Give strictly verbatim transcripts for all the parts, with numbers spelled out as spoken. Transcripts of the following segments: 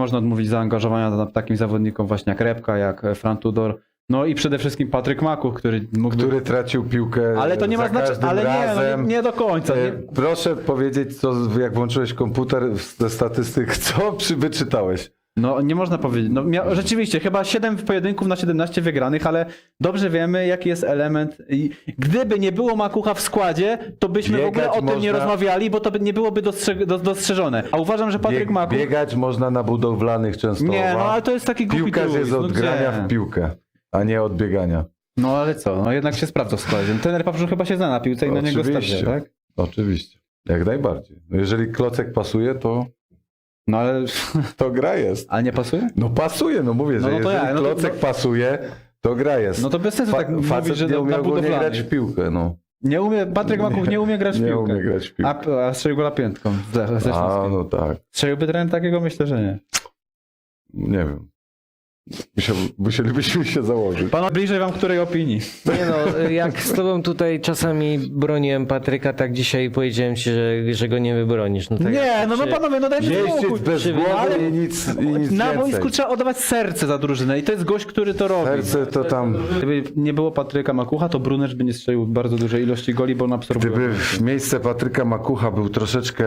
można odmówić zaangażowania na takim zawodnikom właśnie jak Repka, jak Fran Tudor. No i przede wszystkim Patryk Makuch, który mógłby... Który tracił piłkę Ale to nie ma za znaczenia, każdym ale nie, no razem. nie, nie do końca. E, Nie. Proszę powiedzieć, co, jak włączyłeś komputer ze statystyk, co przy, wyczytałeś? No nie można powiedzieć. No, mia... Rzeczywiście, chyba siedem pojedynków na siedemnaście wygranych, ale dobrze wiemy, jaki jest element. I gdyby nie było Makucha w składzie, to byśmy w ogóle Biegać o tym nie można- rozmawiali, bo to by nie byłoby dostrze... do- dostrzeżone. A uważam, że Patryk Bieg, Makuch... biegać można na budowlanych Częstochowa. Nie, no ale to jest taki głupi Piłkarz truizm, jest no od grania gdzie? w piłkę, a nie od biegania. No ale co, no jednak się sprawdza w składzie. Trener Paprzu chyba się zna na piłce i na niego Oczywiście. stawia, tak? Oczywiście, jak najbardziej. No jeżeli klocek pasuje, to, No ale... to gra jest. Ale nie pasuje? No pasuje, no mówię, No, że no to jeżeli ja, no to- klocek no- pasuje, to gra jest. No to bez sensu Fa- tak mówić, facet że nie na, umie na ogólnie grać budowlanych. w piłkę, no. Nie umie, Patryk Makuch nie umie grać w Nie piłkę. umie grać w piłkę. A, a strzelił gola piętką ze, ze A, Śląskiem. no tak. Strzeliłby trener takiego? Myślę, że nie. Nie wiem. Musiał, musielibyśmy się założyć. Pan bliżej wam której opinii? Nie no, jak z tobą tutaj czasami broniłem Patryka, tak dzisiaj powiedziałem ci, że, że go nie wybronisz. No tak nie, jak no, no przy- panowie, no dajcie spokój. Jeździec bez Przy- głowy ale- i nic, i nic Na więcej. boisku trzeba oddawać serce za drużynę i to jest gość, który to robi. Serce to tam... Gdyby nie było Patryka Makucha, to Brunesz by nie strzelił bardzo dużej ilości goli, bo on absorbuje. Gdyby w miejsce Patryka Makucha był troszeczkę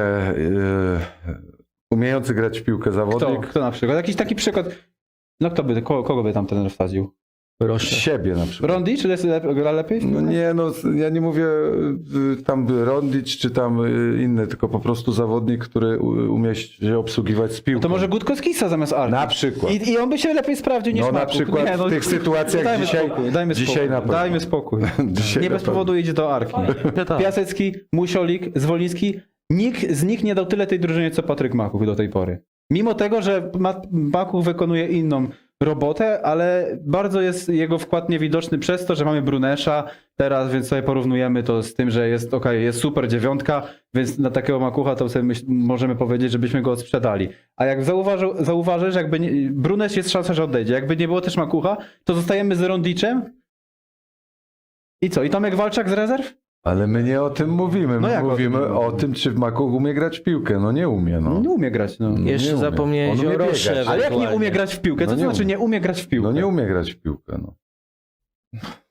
yy, umiejący grać w piłkę Kto? zawodnik, Kto na przykład? Jakiś taki przykład. No kto by, kogo, kogo by tam trener wsadził? Proszę. siebie na przykład. Rondi? Czy jest lep- gra lepiej? No nie, no ja nie mówię y, tam Rondic czy tam y, inny, tylko po prostu zawodnik, który u- umie się obsługiwać z piłką. To może Gutkowskisa zamiast Arki. Na przykład. I, I on by się lepiej sprawdził niż No na Makuch. przykład Nie, no, w tych sytuacjach dajmy dzisiaj, spokój, dajmy dzisiaj spokój, na pewno. dajmy spokój. Dzisiaj Nie na bez pewno. powodu idzie do Arki. Piasecki, Musiolik, Zwoliński. Nikt z nich nie dał tyle tej drużynie, co Patryk Makuch do tej pory. Mimo tego, że Ma- Makuch wykonuje inną robotę, ale bardzo jest jego wkład niewidoczny przez to, że mamy Brunesza teraz, więc sobie porównujemy to z tym, że jest okej, jest super dziewiątka, więc na takiego Makucha to sobie myśl, możemy powiedzieć, żebyśmy go odsprzedali. A jak zauważył, zauważysz, jakby nie, Brunesz jest szansa, że odejdzie. Jakby nie było też Makucha, to zostajemy z Rondiczem. I co? I Tomek Walczak z rezerw? Ale my nie o tym mówimy. No My jak o mówimy tym o mówimy? tym, czy Makuch umie grać w piłkę. No nie umie, no. Nie umie grać, no. No Jeszcze nie umie. zapomniałeś On umie o biegać. Rosze. Ale jak nie ewentualnie. umie grać w piłkę? Co No to nie znaczy umie. nie umie grać w piłkę? No nie umie grać w piłkę, no.